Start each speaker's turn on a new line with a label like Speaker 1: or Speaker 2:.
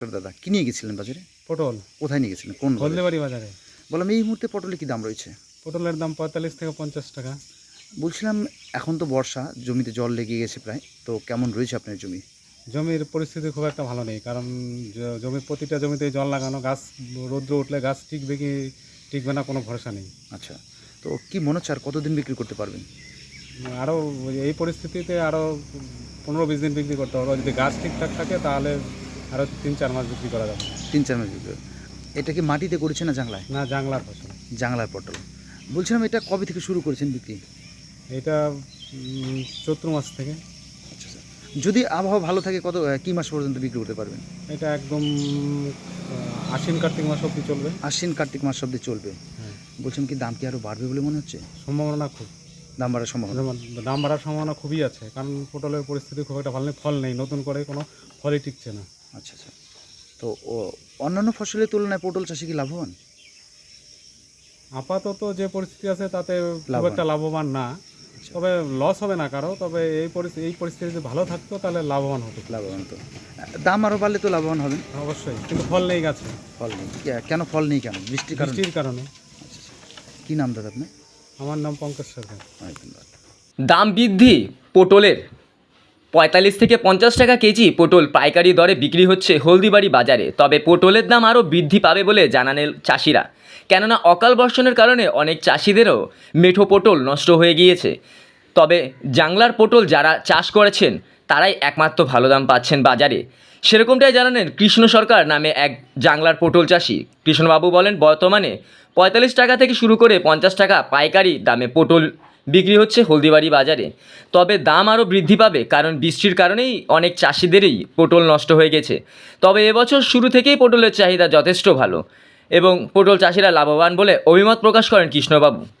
Speaker 1: দাদা কি নিয়ে গেছিলেন বাজারে?
Speaker 2: পটল
Speaker 1: কোথায় নিয়ে গেছিলেন? কোন বাজারে?
Speaker 2: হলদেবাড়ি বাজারে।
Speaker 1: বললাম এই মুহূর্তে পটলে কি দাম রয়েছে?
Speaker 2: পটলের দাম 45 থেকে 50 টাকা।
Speaker 1: বলছিলাম এখন তো বর্ষা, জমিতে জল লেগে গেছে প্রায়, তো কেমন রয়েছে আপনার জমি?
Speaker 2: জমির পরিস্থিতি খুব একটা ভালো নেই, কারণ জমির প্রতিটা জমিতে জল লাগানো, গাছ রৌদ্র উঠলে গাছ টিকবে কি টিকবে না কোনো ভরসা নেই।
Speaker 1: আচ্ছা, তো কি মনে হচ্ছে আর কতদিন বিক্রি করতে পারবেন?
Speaker 2: আরও এই পরিস্থিতিতে আরও 15-20 দিন বিক্রি করতে হবে। যদি গাছ ঠিকঠাক থাকে তাহলে আরও 3-4 মাস বিক্রি করা যাবে।
Speaker 1: 3-4 মাস বিক্রি। এটা কি মাটিতে করেছে না জাংলায়?
Speaker 2: না, জাংলার ফসল।
Speaker 1: জাংলার পটল। বলছিলাম এটা কবে থেকে শুরু করেছেন বিক্রি?
Speaker 2: এটা চৈত্র মাস থেকে।
Speaker 1: আচ্ছা স্যার, যদি আবহাওয়া ভালো থাকে কি মাস পর্যন্ত বিক্রি করতে পারবেন?
Speaker 2: এটা একদম আশ্বিন কার্তিক মাস অবধি চলবে।
Speaker 1: আশ্বিন কার্তিক মাস অবধি চলবে।
Speaker 2: হ্যাঁ,
Speaker 1: বলছিলাম কি দাম কি আরও বাড়বে বলে মনে হচ্ছে?
Speaker 2: সম্ভাবনা খুব।
Speaker 1: দাম বাড়ার সম্ভাবনা?
Speaker 2: দাম বাড়ার সম্ভাবনা খুবই আছে, কারণ পটলের পরিস্থিতি খুব একটা ভালো নেই, ফল নেই, নতুন করে কোনো ফলই টিকছে না।
Speaker 1: আচ্ছা আচ্ছা, তো অন্যান্য ফসলের তুলনায় পটল চাষে কি লাভবান?
Speaker 2: আপাতত যে পরিস্থিতি আছে তাতে খুব
Speaker 1: লাভবান।
Speaker 2: একটা লাভবান না, তবে লস হবে না কারো। তবে এই পরিস্থিতি যদি ভালো থাকতো তাহলে লাভবান হতো।
Speaker 1: লাভবান তো দাম আরও বাড়লে তো লাভবান হবেন।
Speaker 2: অবশ্যই, কিন্তু ফল নেই গাছে।
Speaker 1: ফল নেই কেন? ফল নেই কেন? বৃষ্টির কারণে?
Speaker 2: বৃষ্টির কারণে।
Speaker 1: আচ্ছা আচ্ছা, কী নাম দাদা আপনার?
Speaker 2: আমার নাম পঙ্কজ সরকার।
Speaker 1: অনেক ধন্যবাদ।
Speaker 3: দাম বৃদ্ধি পটলের 45 থেকে 50 টাকা কেজি পটল পাইকারি দরে বিক্রি হচ্ছে হলদিবাড়ি বাজারে। তবে পটলের দাম আরও বৃদ্ধি পাবে বলে জানালেন চাষিরা, কেননা অকাল বর্ষণের কারণে অনেক চাষিদেরও মেঠো পটল নষ্ট হয়ে গিয়েছে। তবে জাংলার পটল যারা চাষ করেছেন তারাই একমাত্র ভালো দাম পাচ্ছেন বাজারে। সেরকমটাই জানালেন কৃষ্ণ সরকার নামে এক জাংলার পটল চাষি। কৃষ্ণবাবু বলেন, বর্তমানে 45 টাকা থেকে শুরু করে 50 টাকা পাইকারি দামে পটল বিক্রি হচ্ছে হলদিবাড়ি বাজারে। তবে দাম আরও বৃদ্ধি পাবে, কারণ বৃষ্টির কারণেই অনেক চাষিদেরই পটল নষ্ট হয়ে গেছে। তবে এবছর শুরু থেকেই পটলের চাহিদা যথেষ্ট ভালো এবং পটল চাষিরা লাভবান বলে অভিমত প্রকাশ করেন কৃষ্ণবাবু।